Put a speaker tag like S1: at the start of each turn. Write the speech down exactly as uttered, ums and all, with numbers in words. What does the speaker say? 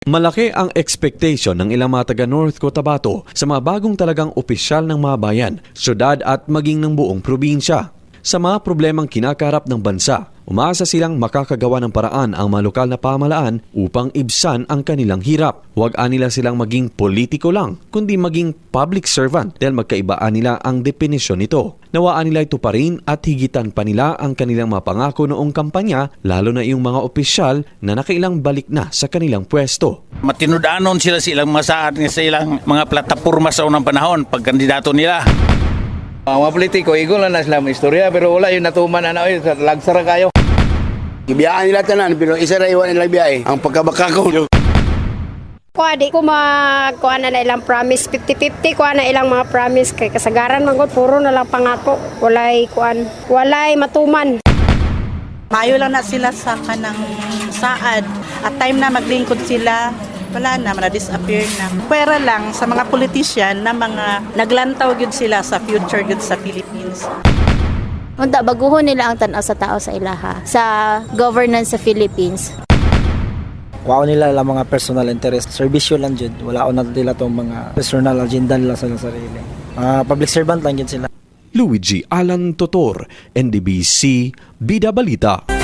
S1: Malaki ang expectation ng ilang mga taga North Cotabato sa mga bagong talagang opisyal ng mga bayan, syudad at maging ng buong probinsya. Sa mga problemang kinakarap ng bansa, umaasa silang makakagawa ng paraan ang mga lokal na pamahalaan upang ibsan ang kanilang hirap. Huwag nila silang maging politiko lang, kundi maging public servant dahil magkaibaan nila ang definisyon nito. Nawaan nila ito pa rin at higitan pa nila ang kanilang mga pangako noong kampanya, lalo na yung mga opisyal na nakailang balik na sa kanilang pwesto.
S2: Matinudanon sila sa ilang masaad sa ilang mga plataporma sa unang panahon pag kandidato nila.
S3: Ang mga politiko, igol na sila mga istorya, pero wala yung natuman na na, lagsara kayo.
S4: Ibiyaan nila tanan, pero isa na iwan nila biyay. Ang pagkabaka ko.
S5: Kuha di ko magkuha na na ilang promise, fifty fifty kuha na ilang mga promise. Kay kasagaran man gud puro na lang pangako. Walay kuan, walay matuman.
S6: Mayo lang na sila sa kanang saad. At time na maglingkod sila, wala na, na-disappear na. Pwera lang sa mga politician na mga naglantaw yun sila sa future yun sa Philippines.
S7: Unta, baguhon nila ang tanaw sa tao sa ilaha, sa governance sa Philippines.
S8: Kuha nila lang mga personal interest. Servisyo lang dyan. Wala ko na nila itong mga personal agenda nila sa sarili. Uh, public servant lang yun sila.
S1: Luigi Alan Totor, N D B C, Bida Balita.